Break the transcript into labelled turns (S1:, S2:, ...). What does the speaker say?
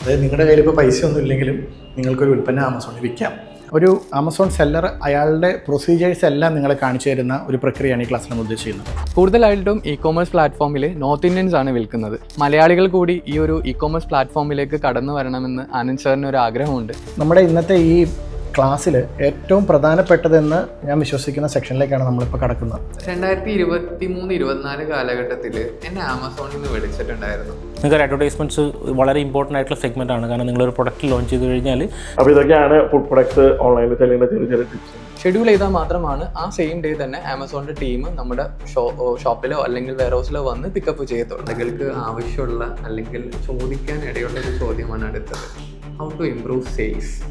S1: അതായത് നിങ്ങളുടെ കയ്യിൽ ഇപ്പോൾ പൈസ ഒന്നും ഇല്ലെങ്കിലും നിങ്ങൾക്കൊരു ഉൽപ്പന്നം ആമസോണിൽ വിൽക്കാം. ഒരു ആമസോൺ സെല്ലർ അയാളുടെ പ്രൊസീജിയേഴ്സ് എല്ലാം നിങ്ങളെ കാണിച്ചു തരുന്ന ഒരു പ്രക്രിയയാണ് ഈ ക്ലാസ്സിൽ നമ്മൾ ഉദ്ദേശിക്കുന്നത്.
S2: കൂടുതലായിട്ടും ഇ കോമേഴ്സ് പ്ലാറ്റ്ഫോമിൽ നോർത്ത് ഇന്ത്യൻസ് ആണ് വിൽക്കുന്നത്. മലയാളികൾ കൂടി ഈ ഒരു ഇ കോമേഴ്സ് പ്ലാറ്റ്ഫോമിലേക്ക് കടന്നു വരണമെന്ന് ആനന്ദ് സാറിന് ഒരു ആഗ്രഹമുണ്ട്.
S1: നമ്മുടെ ഇന്നത്തെ ഈ ക്ലാസ്സിൽ ഏറ്റവും പ്രധാനപ്പെട്ടതെന്ന് ഞാൻ വിശ്വസിക്കുന്ന സെക്ഷനിലേക്കാണ് നമ്മളിപ്പോൾ കടക്കുന്നത്.
S2: 2023-24 കാലഘട്ടത്തിൽ എന്നെ ആമസോണിൽ നിന്ന് വിളിച്ചിട്ടുണ്ടായിരുന്നു.
S3: നിങ്ങൾക്ക് അഡ്വർടൈസ്മെൻറ്റ്സ് വളരെ ഇമ്പോർട്ടൻ്റ് ആയിട്ടുള്ള സെഗ്മെൻ്റ് ആണ്. കാരണം നിങ്ങളൊരു പ്രൊഡക്റ്റ് ലോഞ്ച് ചെയ്ത് കഴിഞ്ഞാൽ
S4: അപ്പോൾ ഇതൊക്കെയാണ് ഫുഡ് പ്രൊഡക്ട്സ് ഓൺലൈനിൽ ചെല്ലുന്ന ചെറിയ ചെറിയ ടിപ്സ്.
S2: ഷെഡ്യൂൾ ചെയ്താൽ മാത്രമാണ് ആ സെയിം ഡേ തന്നെ ആമസോണിൻ്റെ ടീം നമ്മുടെ ഷോപ്പിലോ അല്ലെങ്കിൽ വെയർ ഹൗസിലോ വന്ന് പിക്കപ്പ് ചെയ്യത്തുള്ളൂ. നിങ്ങൾക്ക് ആവശ്യമുള്ള അല്ലെങ്കിൽ ചോദിക്കാൻ ഇടയുള്ള ഒരു ചോദ്യമാണ് അടുത്തത്. How to improve sales.